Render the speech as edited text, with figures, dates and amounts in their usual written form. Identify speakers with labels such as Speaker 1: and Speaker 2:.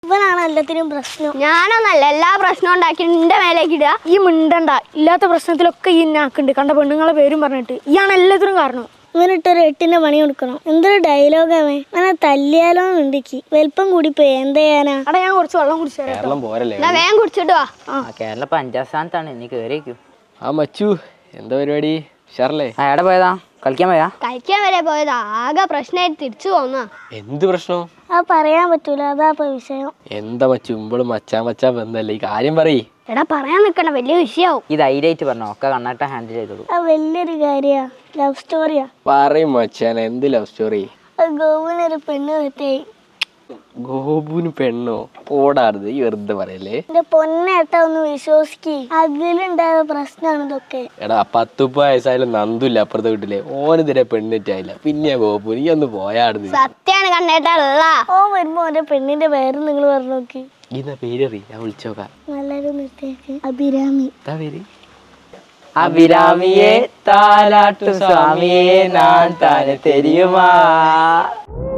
Speaker 1: ഇവനാണ് എല്ലാത്തിനും പ്രശ്നം.
Speaker 2: ഞാനൊന്നല്ല എല്ലാ പ്രശ്നവും ഉണ്ടാക്കി നിന്റെ മേലേക്ക് ഇടുക.
Speaker 1: ഈ മിണ്ടണ്ട. ഇല്ലാത്ത പ്രശ്നത്തിലൊക്കെ ഈ നാക്കുണ്ട്. കണ്ട പെണ്ണുങ്ങളെ പേരും പറഞ്ഞിട്ട് ഇയാണ് എല്ലാത്തിനും കാരണം. ഇവനിട്ടൊരു 8ന്റെ പണി കൊടുക്കണം. എന്തൊരു ഡയലോഗാവേ. അങ്ങനെ തല്ലിയാലോ ഉണ്ടിക്ക് വലിപ്പം കൂടിപ്പോയി. എന്താ ചെയ്യാനാ? അടാ ഞാൻ കുറച്ച് വെള്ളം കുടിച്ചു.
Speaker 2: വേഗം കുടിച്ചിട്ട് വാ.
Speaker 3: കേരള 5ാം സ്ഥാനത്താണ്. നീ കേറിയേക്കൂ.
Speaker 4: ആ മച്ചു എന്താ പരിപാടി? ഷാറല്ലേ
Speaker 3: എവിടെ പോയതാ? കളിക്കാൻ പോയാ?
Speaker 2: കളിക്കാൻ വരെ പോയതാ. ആകെ പ്രശ്നമായിട്ട് തിരിച്ചു പോന്നാ.
Speaker 4: എന്ത് പ്രശ്നം?
Speaker 1: അത് പറയാൻ പറ്റൂല. അതാ ഇപ്പൊ വിഷയം.
Speaker 4: എന്താ മച്ചു ഇമ്പോഴും മച്ചാ ബന്ധല്ലേ? ഈ കാര്യം പറയ്.
Speaker 2: എടാ പറയാൻ നിക്കണ്ട, വലിയ വിഷയാവും.
Speaker 3: ഈ ധൈര്യമായിട്ട് പറഞ്ഞോ. ഒക്കെ കണ്ണാട്ട ഹാൻഡിൽ ചെയ്തോളൂ.
Speaker 1: അത് വലിയൊരു കാര്യാ. ലവ് സ്റ്റോറിയാ.
Speaker 4: പറയും മച്ചാൻ. എന്ത് ലവ് സ്റ്റോറി?
Speaker 1: അത് ഗോവിനൊരു പെണ്ണ് തെറ്റായി.
Speaker 4: ഗോപുന് പെണ്ണോ? ഓടാറുത്. ഈ വെറുതെ പറയല്ലേ.
Speaker 1: എന്റെ പൊന്നേട്ടാ ഒന്ന് വിശ്വസിക്ക്. അതിലുണ്ടായ പ്രശ്നമാണ് ഇതൊക്കെ.
Speaker 4: എടാ 10 വയസ്സായാലും നന്ദില്ല അപ്പുറത്തെ വീട്ടിലെ. ഓനെതിരെ പെണ്ണിറ്റായില്ല. പിന്നെ ഗോപു നീ ഒന്ന് പോയാടുന്നു.
Speaker 2: സത്യാണ് കണ്ണേട്ടല്ല.
Speaker 1: ഓ വരുമ്പോ ഓന്റെ പെണ്ണിന്റെ പേര് നിങ്ങൾ പറഞ്ഞു നോക്കി.
Speaker 4: ഇതാ പേരറി. ഞാൻ വിളിച്ചോക്കാം.
Speaker 1: നല്ലൊരു നിർത്തിയേക്ക്. അഭിരാമി.
Speaker 4: എന്താ പേര്?
Speaker 3: അഭിരാമിയെ താലാട്ടു സ്വാമിയെ ഞാൻ താനെ തെരിയുമാ.